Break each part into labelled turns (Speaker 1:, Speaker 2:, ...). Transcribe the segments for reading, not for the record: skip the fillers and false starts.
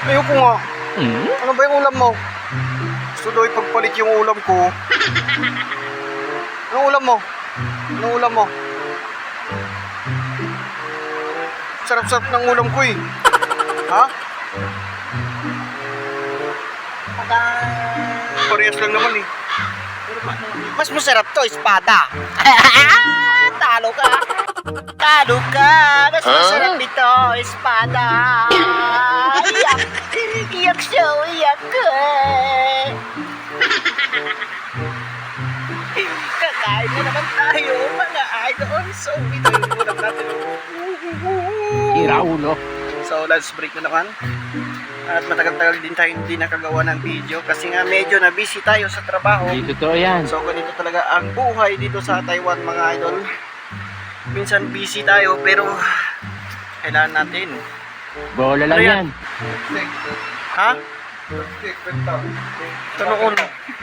Speaker 1: Ayoko nga. Ano ba yung ulam mo? Gusto daw ipagpalit yung ulam ko. Anong ulam mo? Anong ulam mo? Sarap-sarap ng ulam ko eh. Ha? Parehas lang naman eh.
Speaker 2: Mas masarap to, espada. Talo ka. Talo ka. Mas masarap ito, espada. Iyak. Iyak siya, iyak ka. Kakain na naman tayo, mga idol. So, ito yung ulam natin.
Speaker 3: Iraulo.
Speaker 1: So, lunch break na naman. At matagal-tagal din tayo hindi nakagawa ng video kasi nga medyo na busy tayo sa trabaho.
Speaker 3: Hindi totoo yan.
Speaker 1: So, ganito talaga ang buhay dito sa Taiwan, mga idol. Minsan busy tayo pero kailangan natin.
Speaker 3: Bola lang
Speaker 1: Ano
Speaker 3: yan.
Speaker 1: Ha? Sa noon.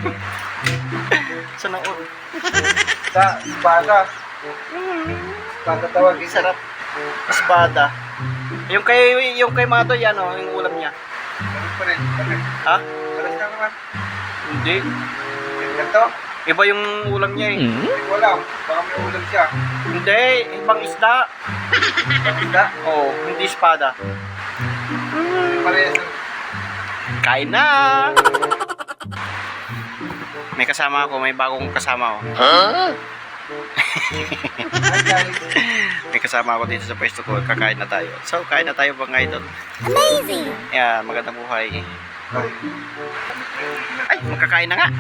Speaker 1: Sa noon.
Speaker 4: Sa espada. Espada tawag isa.
Speaker 1: Sarap. Espada. Yung kay Mato yan o, yung ulam niya.
Speaker 4: Ganun pa rin.
Speaker 1: Ha?
Speaker 4: Pares ka naman.
Speaker 1: Hindi.
Speaker 4: Ganito.
Speaker 1: Iba yung ulam niya eh.
Speaker 4: Hindi ko alam. Baka may ulam siya.
Speaker 1: Hindi, ibang isda.
Speaker 4: Pagkita.
Speaker 1: Oo, hindi espada.
Speaker 4: Parehas.
Speaker 1: Kain na! May kasama ako, may bagong kasama ako.
Speaker 4: Hi guys.
Speaker 1: May kasama ako dito sa pwesto ko, kakain na tayo. So, kain na tayo mga idol. Amazing! Yeah, magandang buhay. Ay, magkakain na nga!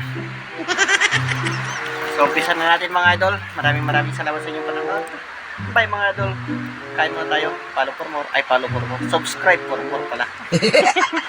Speaker 1: So, umpisa na natin mga idol. Maraming salamat sa inyong panonood. Bye mga idol. Kain muna tayo. Follow for more. Ay, follow for more. Subscribe for more pala.